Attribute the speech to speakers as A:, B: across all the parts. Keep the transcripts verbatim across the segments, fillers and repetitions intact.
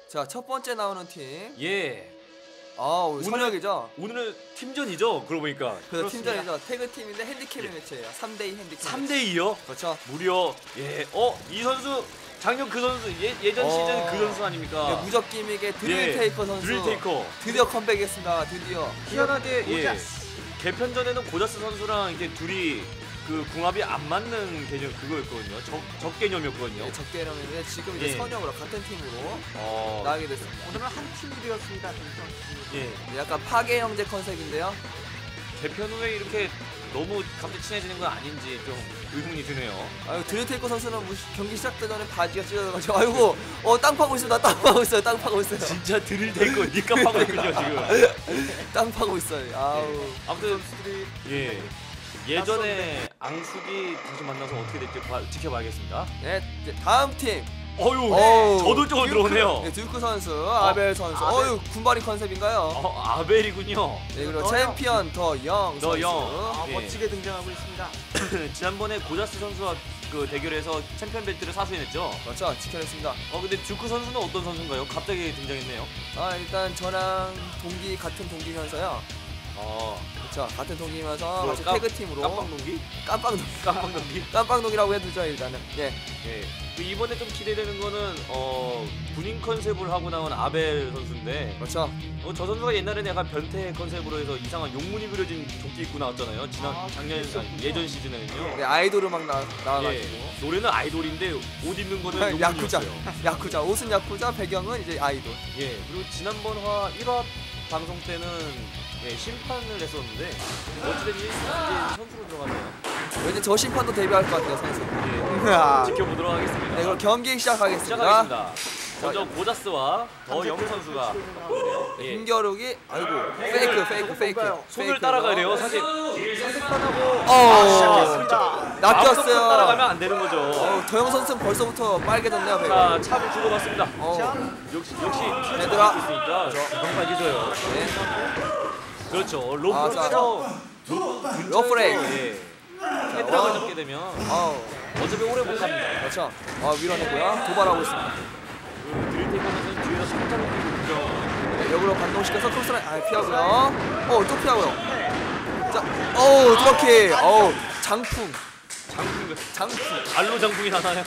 A: 자, 첫 번째 나오는 팀.
B: 예.
A: 아, 오늘 선혁이죠?
B: 오늘은 팀전이죠. 그러고 보니까.
A: 그래서 팀전이죠. 태그 팀인데 핸디캡 예. 매치예요. 삼 대 이 핸디캡.
B: 삼 대 이요?
A: 그렇죠.
B: 무려 예. 어, 이 선수 작년 그 선수 예, 예전 어... 시즌 그 선수 아닙니까?
A: 네, 무적 기믹의 드릴 예. 테이커 선수.
B: 드릴 테이커.
A: 드디어 컴백했습니다. 드디어.
B: 희한하게 예. 개편전에는 고자스 선수랑 이제 둘이 그 궁합이 안 맞는 개념 그거였거든요. 적, 적 개념이었거든요.
A: 네, 적 개념인데 지금 이제
B: 예.
A: 선혁으로 같은 팀으로
B: 어...
A: 나가게 됐습니다.
C: 오늘은 한 팀이 되었습니다.
A: 예. 약간 파괴 형제 컨셉인데요.
B: 개편 후에 이렇게 너무 갑자기 친해지는 건 아닌지 좀 의문이 드네요.
A: 아유, 드릴테이커 선수는 뭐 경기 시작되기 전에 바지가 찢어져가지고 아이고 어 땅 파고 있습니다. 땅 파고 있어요. 땅 파고 있어요.
B: 진짜 드릴테이커 니값 파고 있군요 지금.
A: 땅 파고 있어요. 아우.
B: 예. 아무튼 예. 예전에 앙숙이 다시 만나서 어떻게 될지 봐, 지켜봐야겠습니다.
A: 네, 이제 다음 팀.
B: 어유, 네. 저돌적으로
A: 듀크,
B: 들어오네요.
A: 네, 듀크 선수, 어, 아벨 선수. 아벨. 어유, 군발이 컨셉인가요?
B: 어, 아벨이군요.
A: 네, 그리고 챔피언 더 영
B: 더
A: 선수.
B: 영.
C: 아,
B: 예.
C: 멋지게 등장하고 있습니다.
B: 지난번에 고자스 선수와 그 대결에서 챔피언 벨트를 사수해냈죠.
A: 그렇죠, 지켜냈습니다.
B: 어, 근데 듀크 선수는 어떤 선수인가요? 갑자기 등장했네요.
A: 아, 일단 저랑 동기 같은 동기면서요.
B: 어,
A: 그렇죠, 같은 동기면서 같이
B: 깜,
A: 태그 팀으로.
B: 깜빵 동기?
A: 깜빵 동기.
B: 깜빵 동기?
A: 깜빵 동기라고 해두죠 일단은. 예.
B: 예. 그 이번에 좀 기대되는 거는 어 군인 컨셉을 하고 나온 아벨 선수인데.
A: 그렇죠.
B: 어, 저 선수가 옛날에는 약간 변태 컨셉으로 해서 이상한 용문이 그려진 조끼 입고 나왔잖아요. 지난
C: 아,
B: 작년 아니, 예전 시즌에는요.
A: 네, 아이돌 음악 나 나와가지고.
B: 예. 노래는 아이돌인데 옷 입는 거는
A: 야쿠자.
B: 용문이었어요.
A: 야쿠자. 옷은 야쿠자, 배경은 이제 아이돌.
B: 예. 그리고 지난번 화 일 화 방송 때는 예, 심판을 했었는데 어찌됐든 이제 선수로 들어가네요.
A: 왠지 저 심판도 데뷔할 것 같아요 선수.
B: 예. 지켜보도록 하겠습니다.
A: 네, 그럼 경기 시작하겠습니다.
B: 시작하겠습니다. 먼저 고자스와 더 영 선수가
A: 예. 힘겨루기. 아이고 페이크 페이크 페이크.
B: 손을
A: 페이크.
B: 따라가야 돼요. 사실
A: 어,
C: 시작했습니다.
A: 낚였어요.
B: 따라가면 안 되는 거죠.
A: 어, 더영 선수는 벌써부터 빨개졌네요. 배가.
B: 자, 차를 주고받습니다.
A: 어.
B: 역시 역시
A: 얘들아.
B: 있으니까 금방 빨개져요.
A: 네.
B: 그렇죠.
A: 아, 자.
B: 로프
A: 로프레이크.
B: 예. 헤드락을 잡게 되면
A: 어.
B: 어차피 오래 못 갑니다.
A: 그렇죠. 아, 밀어내고요. 도발하고 있습니다.
B: 드릴테이커 선수는 뒤에서 살짝 뛰고
A: 네, 역으로 반동시켜서 크로스라인 아, 피하고요. 어, 또 피하고요. 자, 어우, 드럭키. 어우, 장풍.
B: 장풍
A: 장풍.
B: 알로 장풍이 나나요?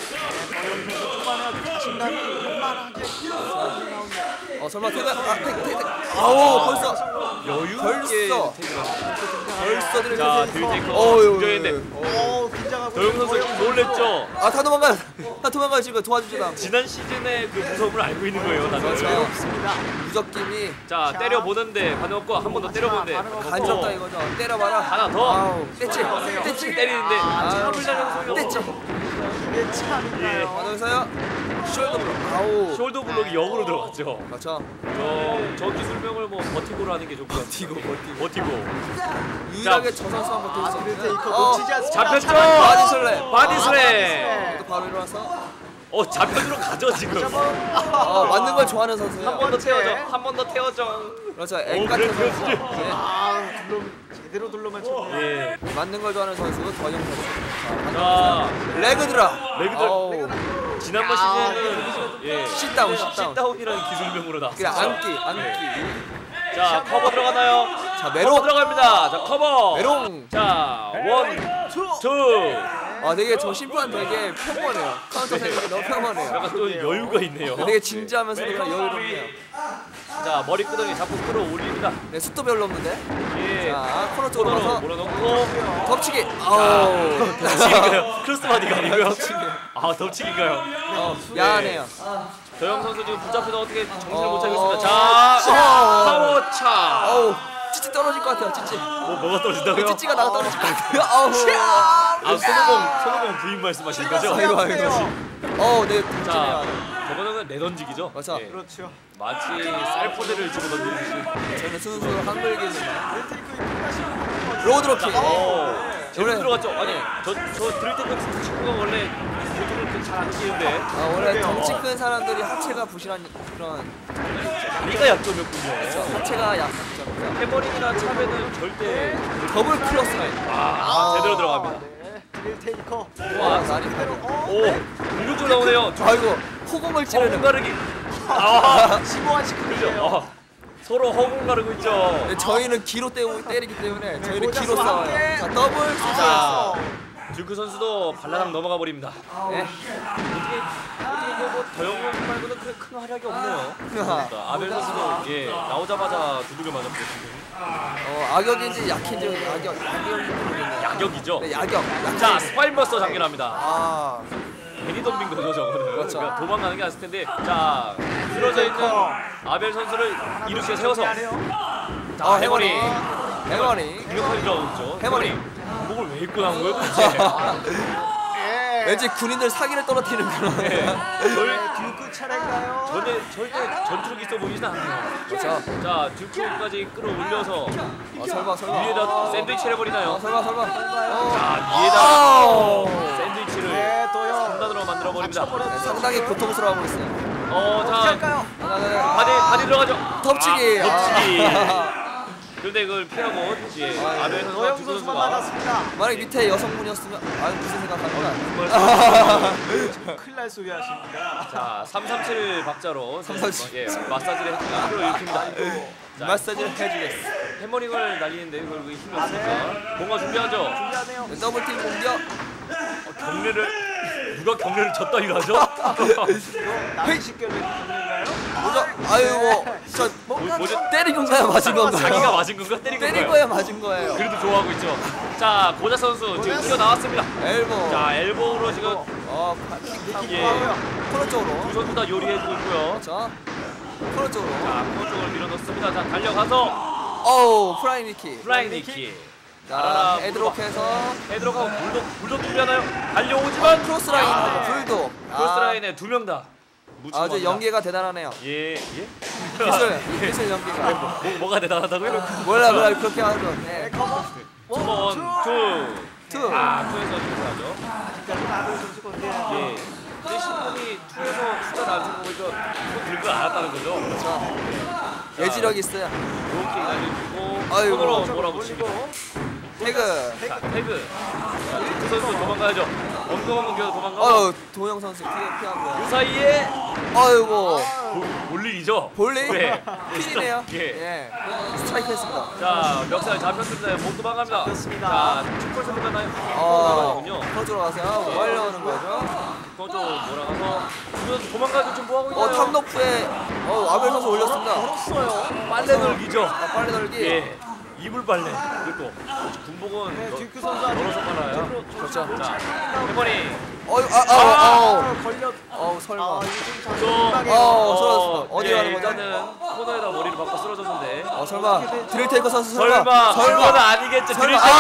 A: 어, 설마 태그 아, 태그 태그. 아우, 벌써
B: 여유
A: 벌써. 벌써 드릴
B: 자,
A: 테이크.
B: 드릴테이커
A: 어유.
B: 등장했네.
C: 오, 긴장하고.
B: 더영 선수 놀랬죠?
A: 아, 다 도망가요. 다 도망가요. 지금 도와주지도 않고.
B: 지난 시즌의 그 무서움을 알고 있는 거예요, 다들.
A: 그렇죠.
C: 외롭습니다.
A: 무적김이
B: 자,
C: 자.
B: 때려보는데 반응 없고 한 번 더 때려보는데
C: 반응 없고.
A: 간지럽다 이거죠. 때려봐라.
B: 하나 더.
A: 아우, 떼치. 떼치.
B: 때리는데
C: 아,
B: 참을 날려는 소용이
A: 떼치.
B: 없어.
C: 이게 참인가요?
A: 반응서요. 숄더 블록. 아우.
B: 숄더 블록이 역으로 들어갔죠.
A: 그렇죠.
B: 저, 저 기술명을 뭐 버티고로 하는 게 좋을 것 같아요.
A: 버티고, 버티고.
B: 버티고.
A: 유일하게 저 선수 한번 더 있어.
C: 드릴테이커
A: 어,
C: 놓치지 않습니다.
B: 잡혔죠?
A: 바디 슬랩.
B: 바디 슬랩.
A: 또 바로 일어나서.
B: 어, 좌편으로 가죠 지금.
A: 어, 맞는 걸 좋아하는 선수예요.
B: 한 번 더 태워줘. 한 번 더 태워줘.
A: 그렇죠. 앵 같은
B: 그래, 그래,
A: 선수.
B: 그래.
A: 네.
C: 아, 둘러 제대로 둘러 맞췄네요.
B: 예.
A: 맞는 걸 좋아하는 선수 더영 선수.
B: 자,
A: 레그 드랍.
B: 레그 드랍.
A: 어우.
B: 지난번 시즌에는 예.
A: 싯다운, 싯다운.
B: 싯다운이라는 기술명으로 나왔어요.
A: 그래, 안기, 안기.
B: 자, 커버 들어가나요?
A: 자,
B: 커버
A: 메롱.
B: 들어갑니다. 자, 커버.
A: 메롱.
B: 자, 원, 투.
A: 아, 되게 저 심판 되게 평온해요. 카운터 세는 게 너무 평온해요.
B: 약간 좀 여유가 있네요.
A: 되게 진지하면서도 그냥 여유롭네요.
B: 자, 머리끄덩이 잡고 끌어올립니다.
A: 네, 숫도 별로 없는데.
B: 예.
A: 자, 코너 쪽으로
B: 코너로
A: 가서
B: 몰아넣고.
A: 덮치기. 아우.
B: 덮치기인가요? 크로스바디가 아니고요.
A: 덮치기.
B: 아, 덮치기인가요?
A: 어, 야하네요.
B: 더영 선수 지금 붙잡혀서 어떻게 정신을
A: 어,
B: 못 차리고 있습니다.
A: 어,
B: 자,
A: 어.
B: 파워차.
A: 어우, 찌찌 떨어질 것 같아요, 찌찌.
B: 뭐 뭐가 떨어진다고요?
A: 찌찌가 나가 떨어질 것 같아요. 아우.
B: 아, 손오공, 손오공 부인 말씀하시는 거죠?
A: 아이고, 아이고. 어우, 네,
B: 자,
A: 자,
B: 저거는 내던지기죠?
A: 맞아.
B: 예.
C: 그렇죠.
B: 마치 쌀포대를 집어던지듯이.
A: 저는 순수 한글기입니다. 로드로킹.
B: 어, 제대로
A: 원래-
B: 들어갔죠? 아니, 저, 저 드릴테이크 친구가 원래 보통은 그렇게 잘안 끼는데
A: 아, 원래 덩치 큰 사람들이 하체가 부실한 그런
B: 다리가 약점이었군요.
A: 하체가 약점이죠.
B: 해머링이나 차배는 절대
A: 더블 크로스 라인.
B: 아, 제대로 들어갑니다.
C: 네, 드릴테이커.
A: 와, 날이 다르.
B: 오, 공격적으로 나오네요.
A: 아이고, 호공을
B: 어,
A: 찌르는.
B: 가르기. 아,
C: 심오한 시크릿이에요.
B: 어, 서로 허공 가르고 있죠.
A: 네, 저희는 기로 때우, 때리기 때문에 저희는
C: 고자스
A: 기로 싸워요.
C: 함께.
A: 자 더블
B: 자,
A: 자,
B: 듀크 선수도 발라당 넘어가 버립니다.
A: 네.
B: 어떻게 어떻게 뭐 더영웅 말고는 그래 큰 활약이 없네요. 그러니까 아벨 선수도 예 나오자마자 두둑을 맞았고 지금
A: 어, 악역인지 약인지 악역 악역인지 모르겠네요.
B: 야격이죠.
A: 네, 야격.
B: 자
A: 약간-
B: 스파인버스터 장렬합니다.
A: 아,
B: 괜히 덤빈 거죠 저거는.
A: 그렇죠.
B: 그러니까 도망가는 게 아닐 텐데 자 쓰러져 있는 아벨 선수를 이렇게 세워서 자
A: 어,
B: 해머리
A: 해머리.
B: 공격하기 들어가고 있죠.
A: 해머리.
B: 목을 왜 입고 나온 거예요 도대체?
C: 예.
A: 왠지 군인들 사기를 떨어뜨리는 그런.
B: 네.
C: 네, 듀크 차례인가요?
B: 전에 절대 전투력 있어 보이진 않네요.
A: 그렇죠.
B: 자 듀크까지 끌어올려서
A: 아, 설마 설마.
B: 위에다 샌드위치
A: 아,
B: 해버리나요?
A: 설마 설마.
B: 자 위에다
A: 아우.
B: 샌드위치를
C: 네, 또요.
B: 상단으로 만들어 버립니다.
A: 네, 상당히 고통스러워하고 있어요.
B: 어자
C: 할까요?
B: 바디 바디 들어가죠.
A: 덮치기.
B: 아, 덮치기.
A: 아.
B: 그런데 그걸 피하고 예
A: 아,
B: 아벨 선수와
C: 노영
B: 듀크
C: 선수가
B: 선수가
C: 맞았습니다.
A: 만약 밑에 여성분이었으면 아 무슨 생각하는구나.
C: 큰일 날 소리 하십니다.
B: 자 삼삼칠 박자로
A: 삼삼칠.
B: 예 마사지를 했습니다. 끌어일으킵니다. 자,
A: 마사지를 해주겠어.
B: 해머링을 날리는데 결국에 힘이 없으니까 뭔가 준비하죠.
C: 준비하네요.
A: 네, 더블팀 공격.
B: 어, 경례를 누가 경례를 졌다 이러죠?
C: 남의 식견을 듣는가요?
A: 뭐죠? 아유 뭐, 저
B: 뭐, 뭐죠?
A: 때린 건가요? 맞은 건가요?
B: 자기가 맞은 건가 때린 건가요?
A: 때린 거야 맞은 거예요.
B: 그래도 좋아하고 있죠. 자 고자 선수 지금 뛰어 나왔습니다.
A: 엘보.
B: 자 엘보로 지금
A: 어, 킥.
B: 예.
A: 코너 쪽으로.
B: 두 선수 다 요리해주고 있고요.
A: 자, 코너 쪽으로.
B: 자 코너 쪽으로 밀어넣습니다. 자 달려가서
A: 어우, 프라이 니키.
B: 플라잉 니키.
A: 자, 헤드록해서
B: 헤드록하고 불독 불독 준비하나요? 달려오지만
A: 크로스 라인하고
B: 아,
A: 불도.
B: 크로스 라인에 두 명 다.
A: 아주 연계가 대단하네요.
B: 예 예.
A: 기술, 기술 연계가.
B: 뭐, 뭐가 대단하다고요?
A: 몰라 몰라 그렇게 하죠. 네.
B: 원, 투.
A: 투.
B: 아, 투에서 준비하죠.
C: 아벨 선수가 근데
B: 예. 근데 신분이 투에서 숫자 낮은 거 보니까 손 들고 알았다는 거죠.
A: 자, 예지력 있어요.
B: 이렇게 날려주고
A: 아이고.
B: 손으로 몰아붙이고
A: 태그.
B: 자, 태그. 자, 그 선수 도망가야죠. 엉덩엉덩 기어 도망가고
A: 어우, 도영 선수 피해 피하고요.
B: 그 사이에
A: 아이고.
B: 볼 일이죠.
A: 볼링?
B: 네.
A: 핀이네요.
B: 예.
A: 예. 스트라이크 했습니다.
B: 자, 멱살 잡혔습니다. 못 도망갑니다.
C: 잡혔습니다.
B: 자, 축구 소리가 나요.
A: 어,
B: 나가는군요.
A: 퍼즐 가세요. 뭐 하려는 거죠?
B: 거저 몰아가서 그 도망가서 지금 뭐 하고 있나요?
A: 어, 탑노프에 어, 아벨 선수 올렸습니다.
C: 걸었어요.
B: 빨래 널기죠.
A: 아, 빨리 널기.
B: 예. 이불 빨래. 그리고 군복은
C: 네,
B: 너-
C: 듀크 선수 아직
B: 걸어서 빨아요.
A: 그렇죠.
B: 자, 해머니.
A: 어이, 아, 아, 아,
C: 아, 걸렸.
A: 어우, 설마.
C: 아, 이거
B: 좀
C: 좀 장난이에요.
A: 어, 쓰러졌습니다. 어디
B: 예,
A: 가는 거죠?
B: 일단은 코너에다 머리를 박고 쓰러졌는데.
A: 어, 설마. 드릴테이커 선수 설마.
B: 설마,
A: 설마.
B: 그건 아니겠죠.
A: 설마.
B: 드릴테이커.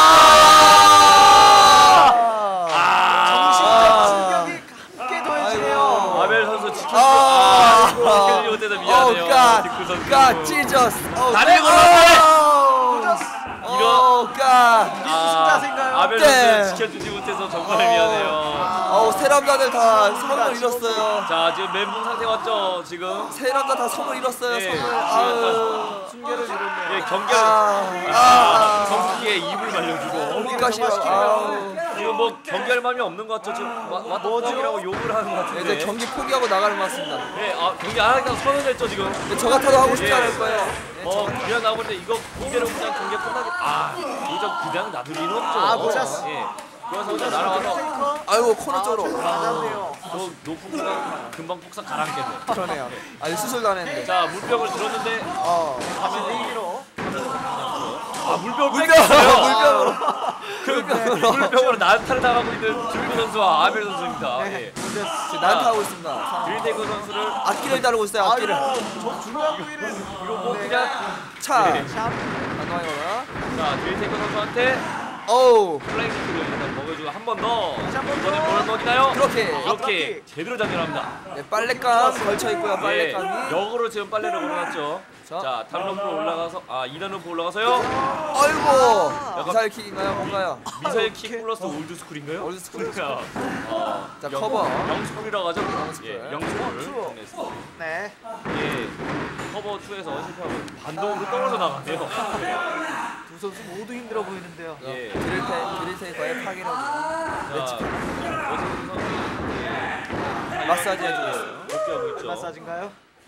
C: 정신적
B: 아,
C: 충격이 함께 더해지네요.
B: 아벨 선수 지켜주지
A: 아,
B: 지켜주지 못해서 미안해요.
A: 어, 갓,
B: 디크 선수.
A: 갓, 찢었어. 어,
B: 다리
A: 갓.
C: 꽂았어.
A: 어, 갓.
C: 무슨 자세인가요?
B: 아벨
A: 네.
B: 선수 지켜주지 못해서 정말 미안해요.
A: 어우, 세 남자들 다 성을 잃었어요.
B: 자, 지금 멘붕 상태 왔죠, 지금.
A: 세 남자 다 성을 잃었어요.
B: 예,
A: 성을. 아유.
C: 순결을 이뤘네요.
B: 예, 경기를
A: 아,
B: 아,
A: 아.
B: 정수기에 입을 말려주고.
A: 어디가 싫어. 아우.
B: 지금 뭐 경기할 마음이 없는 것 같죠. 지금 왔다이라고 욕을 하는 것
A: 네,
B: 같은데.
A: 이제 경기 포기하고 나가는 것 같습니다.
B: 예, 아, 경기 안 하니까 선언했죠, 지금.
A: 근데 저 같아도 하고 싶지
B: 예.
A: 않을 거예요. 네,
B: 어, 그냥 나오는데 이거 이대로 그냥 경기 끝나게. 아, 이거 그냥 놔두기는 없죠.
C: 아, 보셨어.
B: 예. 그래서 그냥 날아와서
C: 테이커.
A: 아이고, 코너 쪽으로.
C: 맞았네요.
B: 너 높은 구간 금방 폭삭 가라앉겠네.
A: 그러네요. 아니, 수술도 안 했는데.
B: 자, 물병을 들었는데
A: 어.
C: 내기로.
B: 아, 물병을
A: 물병!
B: 뺏겼어요.
A: 물병으로.
B: 그 물병으로 난타를 당하고 있는 듀크 선수와 아벨 선수입니다.
C: 네.
B: 예.
A: 지금 난타하고 있습니다.
B: 드릴테이크 선수를
A: 악기를 다루고 있어요, 악기를.
C: 아이고, 저 중요한 부위를.
B: 이거 뭐
C: 네.
B: 그냥
A: 차.
B: 네.
C: 샵.
A: 안녕하거나.
B: 자, 드릴테이크 선수한테
A: 어우.
B: 플라잉 키를 일단 먹여주고 한 번 더.
C: 다시 한번
B: 이번에
C: 더.
B: 뭘 먹이나요?
A: 그렇게.
B: 이렇게 제대로 장렬합니다.
A: 네, 빨랫감 걸쳐 있고요,
B: 예,
A: 빨랫감이.
B: 역으로 지금 빨래를 걸어놨죠.
A: 자.
B: 자, 다른 럼프로 올라가서 아, 이 단 럼프 올라가서요.
A: 아이고. 미사일 킥인가요, 뭔가요?
B: 미사일 킥 플러스 올드 스쿨인가요?
A: 올드 스쿨.
B: 어,
A: 자,
B: 영-
A: 커버.
B: 영스쿨이라고 하죠.
A: 영스쿨.
B: 예, 영스쿨.
C: 투.
B: 정리했습니다.
C: 네.
B: 예, 커버 투에서 실패하고 반동으로 떨어져 나가네요.
C: 두 선수 모두 힘들어 보이는데요.
B: 예.
A: 드릴테, 드릴테이커의 파괴력이.
B: 자, 오승훈 선수
A: 마사지 해주고 있어요.
B: 복귀하고 있죠.
C: 마사지인가요?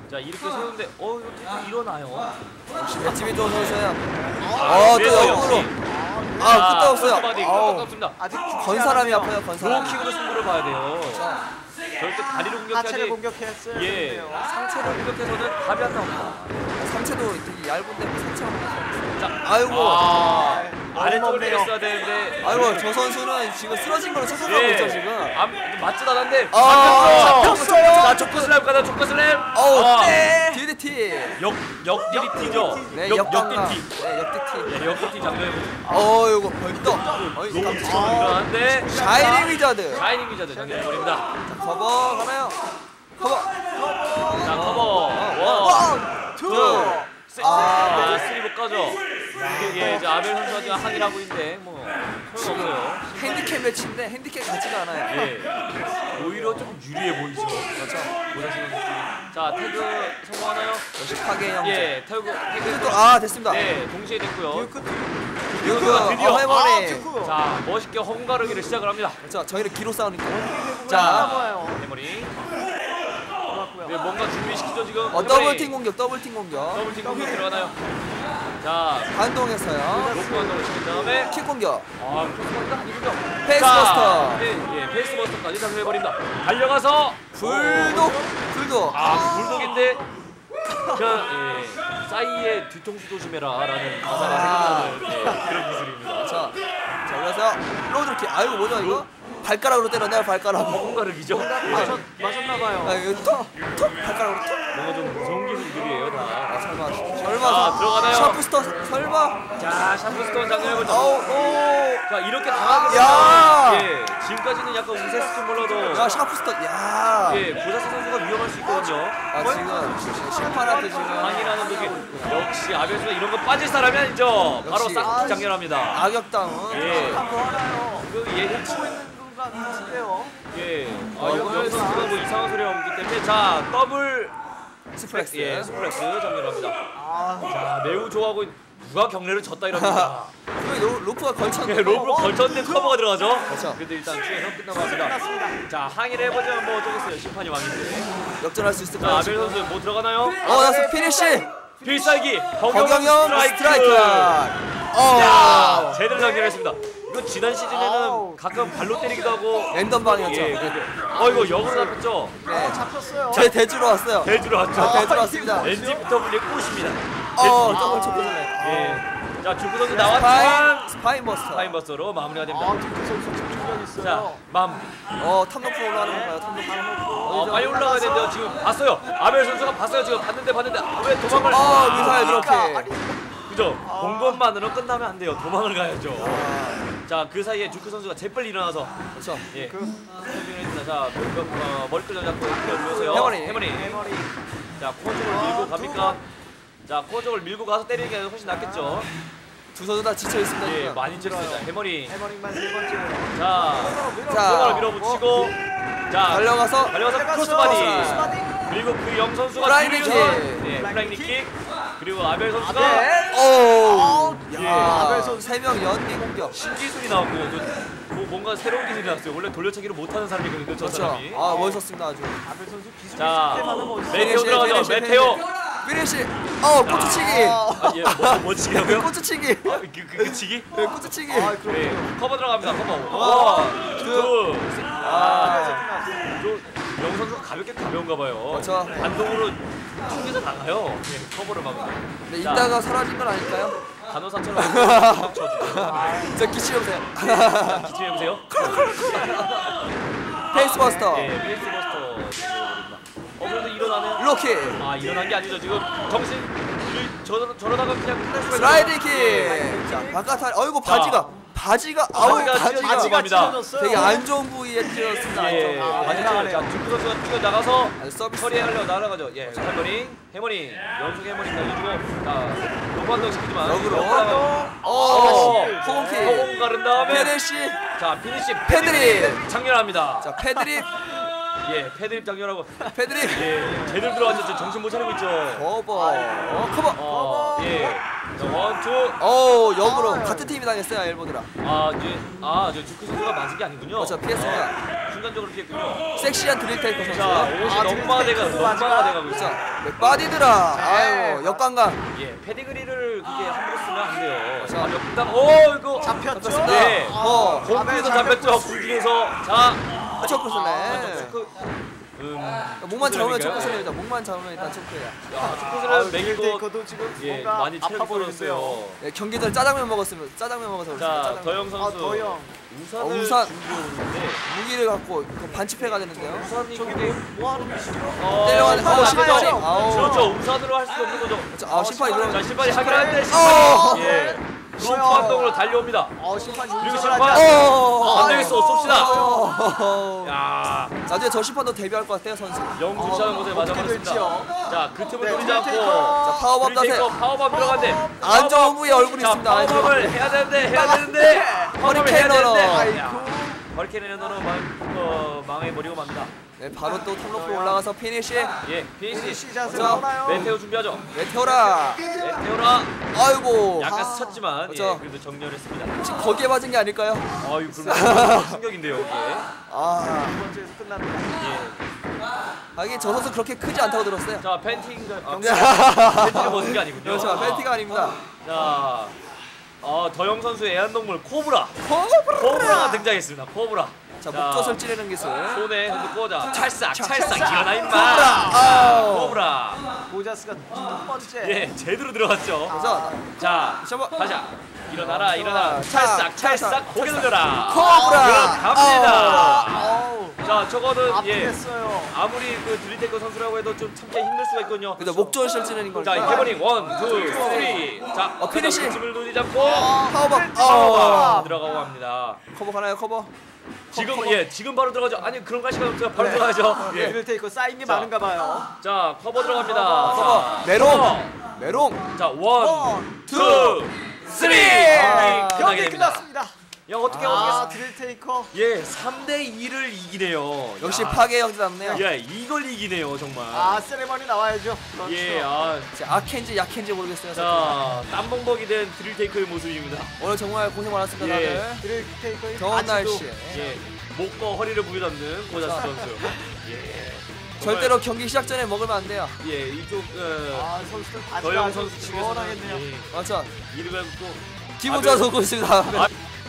B: 자 이렇게 세우는데 어 이거 계속 일어나요.
A: 역시 맷집이 좋은 선수야.
B: 아,
A: 어, 또
B: 그래서
A: 역으로.
B: 역시.
A: 아, 끄떡없어요.
B: 바디
A: 아우.
B: 끄떡없습니다.
C: 아직
A: 건 사람이 아파요, 건 사람.
B: 로우킥으로 승부를 봐야 돼요. 절대 다리로
C: 하체를
B: 공격하지.
C: 공격했어요.
B: 예, 상체를 공격해서는 답이 안 나옵니다.
A: 상체도 되게 얇은데 뭐 상체만 보면서.
B: 자,
A: 아이고.
B: 아, 아래쪽을
C: 어렵네요.
B: 때렸어야 되는데.
A: 아이고, 저 선수는 지금 쓰러진 걸로 착각하고
B: 예,
A: 있죠, 지금.
B: 안, 맞지도 않았는데.
A: 아,
B: 잡혔어.
A: 잡혔어요.
B: 자, 초코 슬램 가자, 초코 슬램.
A: 어우,
B: 아,
A: 네. 디디티.
B: 역, 역디리티죠.
A: 네,
B: 역,
A: 역강가.
B: 역디티.
A: 네, 역디티.
B: 예, 역디티 장면.
A: 어, 이거 벌떡. 어이,
B: 로우킥으로
A: 깜짝.
B: 일어났는데.
A: 샤이닝 위자드.
B: 샤이닝 위자드 장면해버립니다.
A: 자, 커버 가나요? 커버.
B: 자, 커버. 원,
C: 원, 투.
B: 세,
A: 아,
B: 아, 쓰리복 가죠. 이게 이제 아벨 선수가 지금 항의를 하고 있는데 뭐 소용없어요.
A: 핸디캡 매치인데 핸디캡 같지가 않아요.
B: 예, 오히려 조금 유리해 보이죠.
A: 그렇죠.
B: 고다시 선수. 자, 태그 성공하나요?
A: 역시 파괴 형제.
B: 예, 태그 태그.
A: 또, 아, 됐습니다.
B: 네, 동시에 됐고요.
C: 듀크
A: 듀크가
B: 드디어.
A: 어, 해머리.
C: 아, 듀크.
B: 자, 멋있게 헝가르기를 시작을 합니다.
A: 자, 저희는 기로 싸우니까.
C: 자,
A: 자,
C: 나와요.
B: 해머리.
C: 좋았고요.
B: 네, 뭔가 준비시키죠 지금.
A: 어, 더블팀 공격, 더블팀 공격.
B: 더블팀 공격 들어가나요? 자,
A: 반동했어요.
B: 로프 한동을 시킨 다음에.
A: 킥 공격.
B: 아, 크로스버스터 아니군요.
A: 페이스버스터.
B: 네, 예, 페이스버스터까지 장려해버립니다. 달려가서
A: 불독, 불독.
B: 아, 불독인데 그 예, 싸이의 뒤통수 조심해라라는 가사가 생각나는 예, 그런 기술입니다.
A: 자, 자, 올라서 로드킥. 아이고, 뭐죠 이거? 발가락으로 때렸네요, 발가락으로.
B: 헝가르기죠?
C: 맞았, 맞았나봐요.
A: 아, 이거 톡, 톡, 발가락으로 톡.
B: 뭔가 좀 무서운 기술들이에요 다.
A: 아, 설마,
B: 아,
A: 설마.
B: 들어가나요?
A: 샤프스터, 설마.
B: 자, 샤프스톤 장면해보죠.
A: 어우, 오.
B: 자, 이렇게 당하게
A: 야!
B: 되면 예, 지금까지는 약간 우세스톤 몰라도
A: 야, 샤프스터. 야.
B: 예, 고사스 선수가 위험할 수 있거든요.
A: 아, 지금 심판한테 지금
B: 항의라는 독이 역시 아벨 선수가 이런 거 빠질 사람이 아니죠. 바로
A: 역시.
B: 싹 장렬합니다.
A: 악역당은.
B: 예,
C: 뭐 하나요?
B: 그 예전
C: 치고 있는 순간 같은데요.
B: 예, 아,
A: 어,
B: 이거 선수가 뭐 이상한 소리 하기 때문에 자 더블
A: 스플렉스.
B: 예, 스플렉스 장렬합니다.
C: 아,
B: 자, 매우 좋아하고 누가 경례를 졌다 이럽니다.
A: 그 로, 로프가 걸쳤는데.
B: 예, 로브로 걸쳤는데 커버가 들어가죠.
A: 그렇죠.
B: 근데 일단 추에서 끝나고 합니다. 자, 항의를 해보자면 뭐 어쩌겠어요. 심판이 왕인데.
A: 역전할 수
B: 자,
A: 있을까요?
B: 아벨 선수 뭐 들어가나요?
A: 어, 나서 피니시.
B: 필살기
A: 허경영
B: 허경영
A: 스트라이크.
B: 스트라이크. 야,
A: 어.
B: 제대로 장렬했습니다. 이거 지난 시즌에는
C: 아우.
B: 가끔 발로 때리기도 하고
A: 랜덤 방이었죠.
B: 예, 근데 어 이거 역으로 잡혔죠.
A: 네.
C: 잡혔어요.
A: 제 대주로 왔어요.
B: 대주로 왔죠.
A: 아, 대주로 왔습니다.
B: 엔지피더블유의 꽃입니다.
A: 어, 더블 초크절레.
B: 예. 자, 주구 선수
A: 스파인,
B: 나왔지만
A: 스파인 버스터.
B: 스파인버스로 마무리가 됩니다.
C: 아, 듀크 선수 집중력 있어요.
B: 자, 맘.
A: 어, 탑 높이 올라가는 건가요? 탑 높이.
B: 어, 빨리 올라가야 되는데요. 지금 봤어요. 아벨 선수가 봤어요. 지금 봤는데 봤는데 아, 왜 도망을?
A: 어, 미사일
C: 그러니까,
A: 이렇게.
C: 아니,
B: 그죠? 본 것만으로 끝나면 안 돼요. 도망을 가야죠.
A: 아,
B: 자, 그 사이에 주크 선수가 재빨리 일어나서
A: 그렇죠.
B: 예.
C: 그
B: 설명을 했습니다. 자, 그, 어, 머리끈 잡고 뛰어주세요.
A: 해머리.
B: 해머리.
C: 메모리.
B: 자, 코어 쪽을 밀고 갑니까? 자, 코어 쪽을 밀고 가서 때리는 게 훨씬 낫겠죠.
A: 두 선수 다 지쳐 있습니다.
B: 예,
A: 지금.
B: 많이 찔렀습니다. 해머리.
C: 해머링만 세 번째.
B: 자,
A: 자,
B: 코어를 밀어붙이고 자,
A: 달려가서
B: 달려가서
C: 들어갔어.
B: 크로스바디.
C: 크로스바디.
B: 그리고 그 영 선수가
A: 플라잉
B: 뒤에서
A: 킥.
B: 예, 플라잉 킥. 그리고 아벨 선수가
C: 아벨.
A: 오.
B: 예.
A: 야,
C: 아벨 선수.
A: 세명 연기 공격.
B: 신기술이 나왔고요. 저, 뭐 뭔가 새로운 기술이 나왔어요. 원래 돌려차기를 못하는 사람이거든요. 저
A: 그렇죠.
B: 사람이.
A: 아, 멋있었습니다 아주.
C: 아벨 선수 기술이
B: 자,
C: 스텝하는 거 있어요.
B: 메테오 들어가죠.
A: 피니시,
B: 메테오.
A: 피니시. 어, 꼬치치기.
B: 아, 예, 뭐, 뭐 치기라고요?
A: 꼬치치기.
B: 아, 그, 그, 그 치기?
A: 네, 꼬치치기.
C: 아, 그럼
B: 네, 커버 들어갑니다. 커버.
A: 와,
B: 원, 투, 셋. 아, 영 선수가 가볍게 가벼운가 봐요.
A: 그렇죠.
B: 반동으로 튕겨서 나가요. 예, 커버를 막으면.
A: 네,
B: 자,
A: 이따가 사라진 건 아닐까요?
B: 간호사처럼 툭툭 쳐주죠.
A: 저 기치해보세요.
B: 자, 기침해보세요.
A: 페이스버스터.
B: 예, 페이스버스터. 어, 그래도 일어나는.
A: 로키.
B: 아, 일어난 게 아니죠. 지금 정신을 저러, 저러다가 그냥 끝날 수가
A: 슬라이드
B: 있어요.
A: 킥. 자, 바깥 어이구 바지가 바지가 아우
B: 바지가
A: 바지가
B: 바지가
C: 바지가
B: 갑니다.
C: 찢어졌어요.
A: 되게 안 좋은 부위에 찔렀습니다.
B: 예,
A: 안 좋은
B: 맞아요.
C: 나가네요.
B: 자, 주크 선수가 뛰어 나가서
A: 아주 서비스.
B: 처리하려고 날아가죠. 예, 해머링, 해머링, 연속 해머링 날려주고, 자, 로반동 시키지만
A: 역으로.
B: 역으로.
A: 어,
B: 예,
A: 호공킥.
B: 호공 가른 다음에,
A: 페레시.
B: 자, 피니시
A: 패드립.
B: 장렬합니다.
A: 자, 패드립.
B: 예, 패드립 장렬하고,
A: 패드립.
B: 예, 제대로 들어왔죠. 지금 정신 못 차리고 있죠.
A: 커버. 어, 커버.
B: 어, 예, 자, 원, 투.
A: 어 역으로
C: 아,
A: 같은 팀이 당했어요 엘보드라.
B: 아, 이제 아, 저 주크 선수가 맞은 게 아니군요.
A: 그렇죠, 피했습니다.
B: 아, 순간적으로 피했군요.
A: 섹시한 드릴테이커 선수.
B: 자, 옷이
C: 아,
B: 넉마가 돼가
C: 드릴테이크
B: 넉마가
C: 맞아.
B: 돼가고 있어.
A: 자 맥바디드라. 아유 역관광.
B: 예, 페디그리를 그게 함부로 쓰면 안 돼요.
A: 자.
B: 자, 역당. 오, 이거
C: 잡혔죠?
A: 잡혔습니다.
B: 네.
A: 어.
B: 공중에서
C: 아,
B: 잡혔죠. 공중에서. 자,
A: 초크
B: 아,
A: 슬램.
B: 저 초크. 음.
A: 목만 잡으면 초크
B: 초크
A: 슬램이다. 목만 잡으면 일단 초크야.
B: 야, 초크
C: 아,
B: 슬램 맥이고
C: 드릴테이커도 지금
B: 예,
C: 뭔가
B: 많이
C: 아파
B: 체력
C: 보이는데요.
B: 떨어졌어요.
A: 네, 경기 전 짜장면 먹었으면 짜장면 먹어서 그렇습니다.
B: 자,
A: 짜장면.
B: 더영
C: 아,
B: 선수.
C: 더영.
B: 우산을
A: 어, 우산.
B: 준비해 오는데
A: 무기를 갖고 그 반칙패가 되는데요.
B: 우산이
C: 저기
B: 근데
C: 뭐 하는 것이죠?
B: 어,
A: 때려가는
B: 우산을
A: 어,
B: 안 되죠.
A: 심판이. 아우.
B: 그렇죠. 우산으로 할 수 없는 거죠.
A: 그렇죠. 아 심판이
C: 어,
A: 그러면
B: 자, 심판이 하긴 하는데
A: 어.
B: 심판이 예. 로프 한동으로 달려옵니다.
C: 어, 심판이
B: 그리고
C: 운전을
B: 심판.
C: 하지 않아요.
A: 어.
B: 안 되겠어. 쏩시다.
A: 어.
B: 야,
A: 나중에 저 심판도 데뷔할 것 같아요 선수.
B: 영 주차는 곳에 맞아
C: 어떻게
B: 버렸습니다.
C: 될지요?
B: 자, 그 틈을
C: 네,
B: 노리지 않고
C: 드릴테이커.
A: 자 파워밤
B: 드릴테이커
A: 자세.
B: 파워밤 들어간대.
A: 안 좋은 부위에 얼굴이
B: 자,
A: 있습니다. 안 좋은
B: 파워밤을 해야 되는데 해야 되는데 파워밤을 해야
A: 허리케인
B: 되는데
A: 러너.
B: 야, 허리케인 러너는 망 어, 망해버리고 맙니다.
A: 네 바로 또 탑로프 올라가서 피니시.
B: 예, 피니시.
C: 피니시 자세
A: 자,
C: 나오나요?
B: 메테오 준비하죠.
A: 메테오라.
B: 메테오라.
A: 아이고.
B: 약간
C: 아,
B: 스쳤지만 예,
A: 그렇죠.
B: 그래도 정렬했습니다.
A: 혹시 거기에 맞은 게 아닐까요?
B: 아유, 그럼 충격인데요, 이게.
A: 아
C: 두 번째에서 끝납니다.
B: 예.
A: 하긴 저 선수 그렇게 크지 않다고 들었어요.
B: 자, 팬티인가? 아,
A: 경기-
B: 팬티를 벗은 게 아니군요.
A: 그렇죠. 팬티가 아닙니다.
B: 자, 어, 더영 선수의 애완동물 코브라.
A: 코브라.
B: 코브라가 등장했습니다. 코브라.
A: 자 목젖을 찌르는 기술.
B: 손에 핸드 꽂아. 찰싹,
A: 자,
B: 찰싹.
C: 찰싹.
B: 일어나 임마.
A: 코브라.
B: 자,
A: 아우.
B: 코브라.
C: 보자스가 두 번째.
B: 예, 제대로 들어갔죠.
A: 그래서
B: 자,
A: 셔버.
B: 가자. 일어나라, 일어나.
A: 자,
B: 찰싹,
A: 찰싹,
B: 찰싹. 고개 돌려라.
A: 코브라.
B: 들어갑니다.
C: 아우,
B: 자, 저거는 예.
C: 아프겠어요.
B: 아무리 그 드릴테이커 선수라고 해도 좀 참기 힘들 수가 있거든요.
A: 그래서 목젖을 찌르는 거니까.
B: 자, 해버링 원, 투, 쓰리. 자,
A: 어, 피니시.
B: 을 노리지 않고
A: 파워밤.
B: 파워밤
A: 어.
B: 들어가고 합니다.
A: 커버 가나요 커버?
B: 지금
A: 커버.
B: 예, 지금 바로 들어가죠. 아니, 그런 거 시간 없어요. 바로
A: 네.
B: 들어가죠. 예.
C: 드릴테이커 쌓인 게
B: 자.
C: 많은가 봐요.
B: 자, 커버 들어갑니다.
A: 커버.
B: 자,
A: 메롱.
B: 커버.
A: 메롱.
B: 자, 원,
C: 원,
B: 투, 쓰리.
A: 아.
B: 끝나게
C: 경기
B: 됩니다.
C: 끝났습니다.
B: 야, 어떻게
C: 아,
B: 어떻게
C: 드릴테이커.
B: 예, 삼 대 이를 이기네요.
A: 역시
B: 야.
A: 파괴 형제답네요.
B: 예, 이걸 이기네요, 정말.
C: 아, 세레머니 나와야죠. 그렇죠.
B: 예, 아,
A: 자, 악캔지 약캔지 모르겠어요.
B: 자, 땀벙벅이 된 드릴테이커의 모습입니다.
A: 오늘 정말 고생 많았습니다
B: 예.
A: 다들.
C: 드릴테이커의
A: 더운
C: 바지도
A: 날씨.
B: 예, 목과 허리를 부여잡는 고자스 선수. 예,
A: 절대로 경기 시작 전에 먹으면 안 돼요.
B: 예, 이쪽 어,
C: 아, 선수들 바지가
B: 더영
C: 아주
B: 선수 측에서는
C: 시원하겠네요.
B: 예,
A: 맞죠?
B: 이를 갖고
A: 기분
B: 아,
A: 좋아서 오고 있습니다.
B: 아,